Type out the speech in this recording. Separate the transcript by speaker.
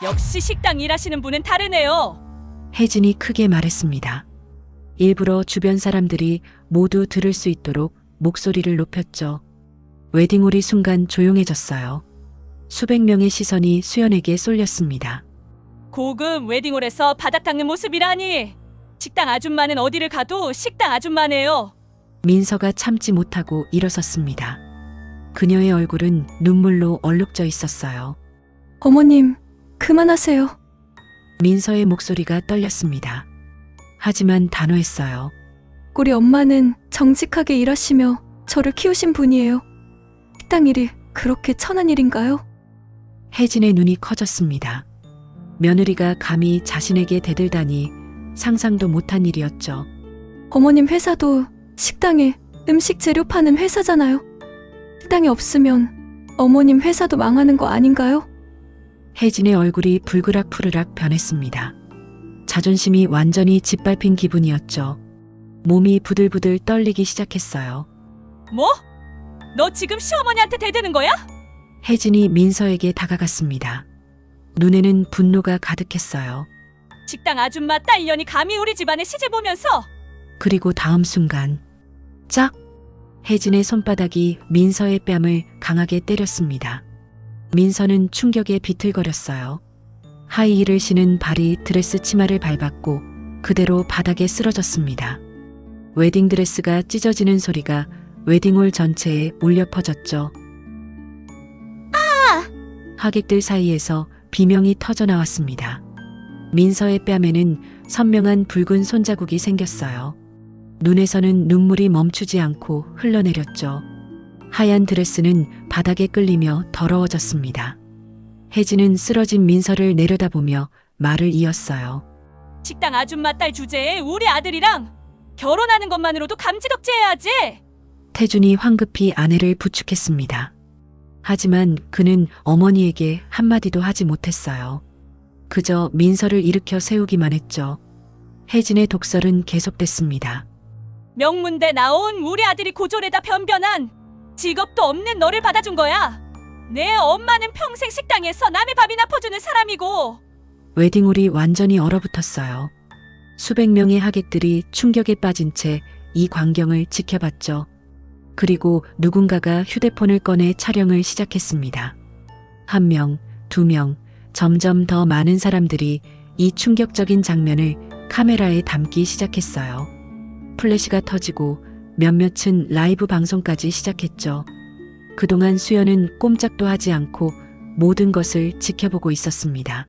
Speaker 1: 역시 식당 일하시는 분은 다르네요.
Speaker 2: 혜진이 크게 말했습니다. 일부러 주변 사람들이 모두 들을 수 있도록 목소리를 높였죠. 웨딩홀이 순간 조용해졌어요. 수백 명의 시선이 수연에게 쏠렸습니다.
Speaker 1: 고급 웨딩홀에서 바닥 닦는 모습이라니. 식당 아줌마는 어디를 가도 식당 아줌마네요.
Speaker 2: 민서가 참지 못하고 일어섰습니다. 그녀의 얼굴은 눈물로 얼룩져 있었어요.
Speaker 3: 어머님, 그만하세요.
Speaker 2: 민서의 목소리가 떨렸습니다. 하지만 단호했어요.
Speaker 3: 우리 엄마는 정직하게 일하시며 저를 키우신 분이에요. 식당 일이 그렇게 천한 일인가요?
Speaker 2: 혜진의 눈이 커졌습니다. 며느리가 감히 자신에게 대들다니 상상도 못한 일이었죠.
Speaker 3: 어머님 회사도 식당에 음식 재료 파는 회사잖아요. 식당이 없으면 어머님 회사도 망하는 거 아닌가요?
Speaker 2: 혜진의 얼굴이 불그락 변했습니다. 자존심이 완전히 짓밟힌 기분이었죠. 몸이 부들부들 떨리기 시작했어요.
Speaker 1: 뭐? 너 지금 시어머니한테 대드는 거야?
Speaker 2: 혜진이 민서에게 다가갔습니다. 눈에는 분노가 가득했어요.
Speaker 1: 식당 아줌마 딸년이 감히 우리 집안에 시집 오면서.
Speaker 2: 그리고 다음 순간 짝! 혜진의 손바닥이 민서의 뺨을 강하게 때렸습니다. 민서는 충격에 비틀거렸어요. 하이힐을 신은 발이 드레스 치마를 밟았고 그대로 바닥에 쓰러졌습니다. 웨딩드레스가 찢어지는 소리가 웨딩홀 전체에 울려 퍼졌죠. 하객들 사이에서 비명이 터져 나왔습니다. 민서의 뺨에는 선명한 붉은 손자국이 생겼어요. 눈에서는 눈물이 멈추지 않고 흘러내렸죠. 하얀 드레스는 바닥에 끌리며 더러워졌습니다. 혜진은 쓰러진 민서를 내려다보며 말을 이었어요.
Speaker 1: 식당 아줌마 딸 주제에 우리 아들이랑 결혼하는 것만으로도 감지덕지해야지.
Speaker 2: 태준이 황급히 아내를 부축했습니다. 하지만 그는 어머니에게 한마디도 하지 못했어요. 그저 민서를 일으켜 세우기만 했죠. 혜진의 독설은 계속됐습니다.
Speaker 1: 명문대 나온 우리 아들이 고졸에다 변변한 직업도 없는 너를 받아준 거야. 내 엄마는 평생 식당에서 남의 밥이나 퍼주는 사람이고.
Speaker 2: 웨딩홀이 완전히 얼어붙었어요. 수백 명의 하객들이 충격에 빠진 채 이 광경을 지켜봤죠. 그리고 누군가가 휴대폰을 꺼내 촬영을 시작했습니다. 한 명, 두 명, 점점 더 많은 사람들이 이 충격적인 장면을 카메라에 담기 시작했어요. 플래시가 터지고 몇몇은 라이브 방송까지 시작했죠. 그동안 수연은 꼼짝도 하지 않고 모든 것을 지켜보고 있었습니다.